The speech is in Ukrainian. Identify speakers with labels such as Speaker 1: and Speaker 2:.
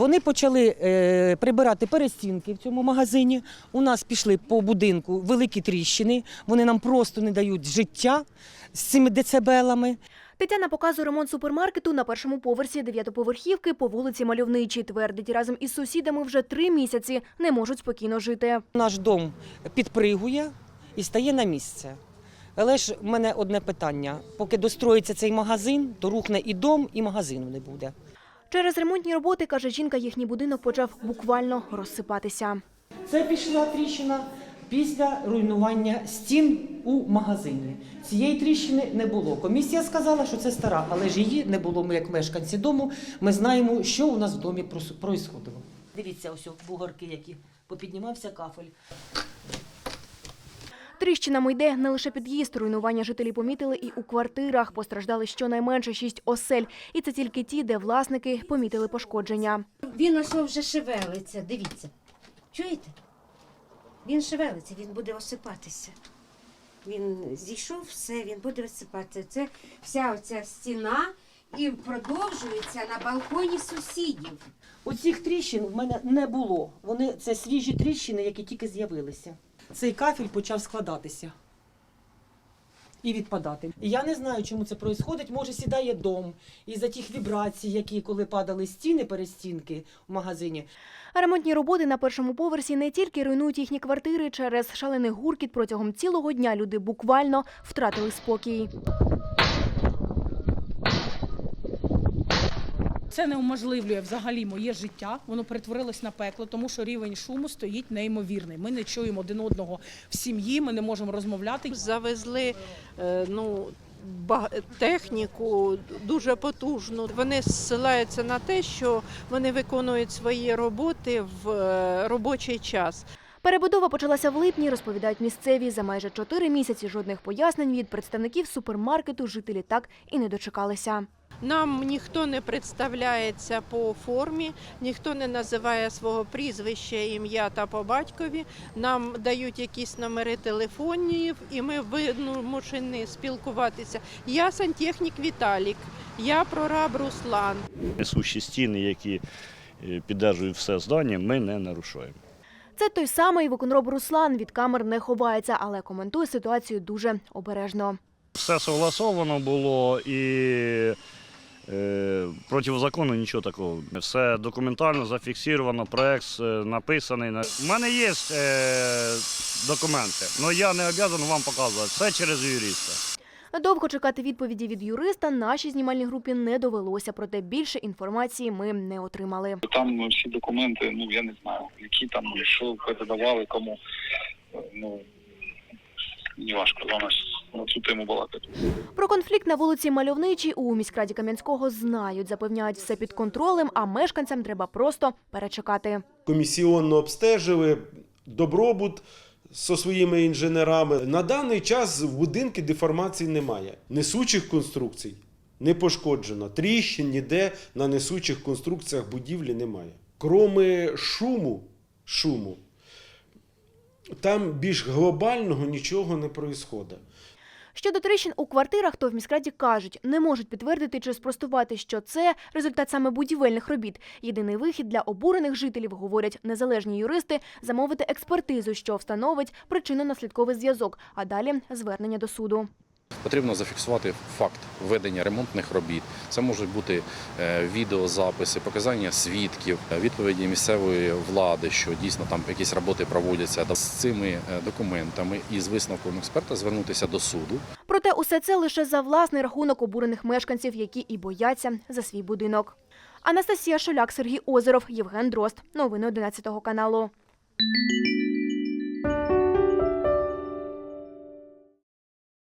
Speaker 1: Вони почали прибирати перестінки в цьому магазині. У нас пішли по будинку великі тріщини. Вони нам просто не дають життя з цими децибелами.
Speaker 2: Тетяна показує ремонт супермаркету на першому поверсі 9-поверхівки по вулиці Мальовничій. Твердить, разом із сусідами вже 3 місяці не можуть спокійно жити.
Speaker 1: Наш дом підпригує і стає на місце. Але ж в мене одне питання. Поки достроїться цей магазин, то рухне і дом, і магазину не буде.
Speaker 2: Через ремонтні роботи, каже жінка, їхній будинок почав буквально розсипатися.
Speaker 1: Це пішла тріщина після руйнування стін у магазині. Цієї тріщини не було. Комісія сказала, що це стара, але ж її не було. Ми, як мешканці дому, ми знаємо, що у нас в домі происходило. Дивіться, ось бугорки, які попіднімався кафель.
Speaker 2: Тріщинами йде не лише під'їзд. Руйнування жителі помітили і у квартирах. Постраждали щонайменше 6 осель. І це тільки ті, де власники помітили пошкодження.
Speaker 3: Він ось вже шевелиться, дивіться. Чуєте? Він шевелиться, він буде осипатися. Він зійшов, все, він буде осипатися. Це вся оця стіна і продовжується на балконі сусідів.
Speaker 1: Оцих тріщин в мене не було. Це свіжі тріщини, які тільки з'явилися. Цей кафель почав складатися і відпадати. І я не знаю, чому це відбувається. Може, сідає дом із-за тих вібрацій, які коли падали стіни, перестінки в магазині.
Speaker 2: Ремонтні роботи на першому поверсі не тільки руйнують їхні квартири. Через шалений гуркіт протягом цілого дня люди буквально втратили спокій.
Speaker 4: Це неуможливлює взагалі моє життя, воно перетворилось на пекло, тому що рівень шуму стоїть неймовірний. Ми не чуємо один одного в сім'ї, ми не можемо розмовляти.
Speaker 5: Завезли техніку дуже потужну. Вони зсилаються на те, що вони виконують свої роботи в робочий час.
Speaker 2: Перебудова почалася в липні, розповідають місцеві. За майже 4 місяці жодних пояснень від представників супермаркету жителі так і не дочекалися.
Speaker 5: Нам ніхто не представляється по формі, ніхто не називає свого прізвища, ім'я та по батькові. Нам дають якісь номери телефонів і ми вимушені спілкуватися. Я сантехнік Віталік, я прораб Руслан.
Speaker 6: Несущі стіни, які підтримують все здання, ми не нарушуємо.
Speaker 2: Це той самий виконроб Руслан. Від камер не ховається, але коментує ситуацію дуже обережно.
Speaker 6: Все согласовано було і проти закону нічого такого. Все документально зафіксовано, проект написаний. У мене є документи, але я не обов'язаний вам показувати. Все через юриста.
Speaker 2: Довго чекати відповіді від юриста нашій знімальній групі не довелося, проте більше інформації ми не отримали.
Speaker 7: Там всі документи, я не знаю, які там, що передавали, кому, не важко за нас на цю тему балакати.
Speaker 2: Про конфлікт на вулиці Мальовничій у міськраді Кам'янського знають, запевняють, все під контролем, а мешканцям треба просто перечекати.
Speaker 8: Комісіонно обстежили добробут зі своїми інженерами. На даний час в будинку деформацій немає. Несучих конструкцій не пошкоджено. Тріщин ніде на несучих конструкціях будівлі немає. Кроме шуму, там більш глобального нічого не відбувається.
Speaker 2: Щодо тріщин у квартирах, то в міськраді кажуть, не можуть підтвердити чи спростувати, що це результат саме будівельних робіт. Єдиний вихід для обурених жителів, говорять незалежні юристи, замовити експертизу, що встановить причинно-наслідковий зв'язок, а далі звернення до суду.
Speaker 9: Потрібно зафіксувати факт ведення ремонтних робіт. Це можуть бути відеозаписи, показання свідків, відповіді місцевої влади, що дійсно там якісь роботи проводяться. З цими документами і з висновком експерта звернутися до суду.
Speaker 2: Проте усе це лише за власний рахунок обурених мешканців, які і бояться за свій будинок. Анастасія Шуляк, Сергій Озеров, Євген Дрозд. Новини 11 каналу.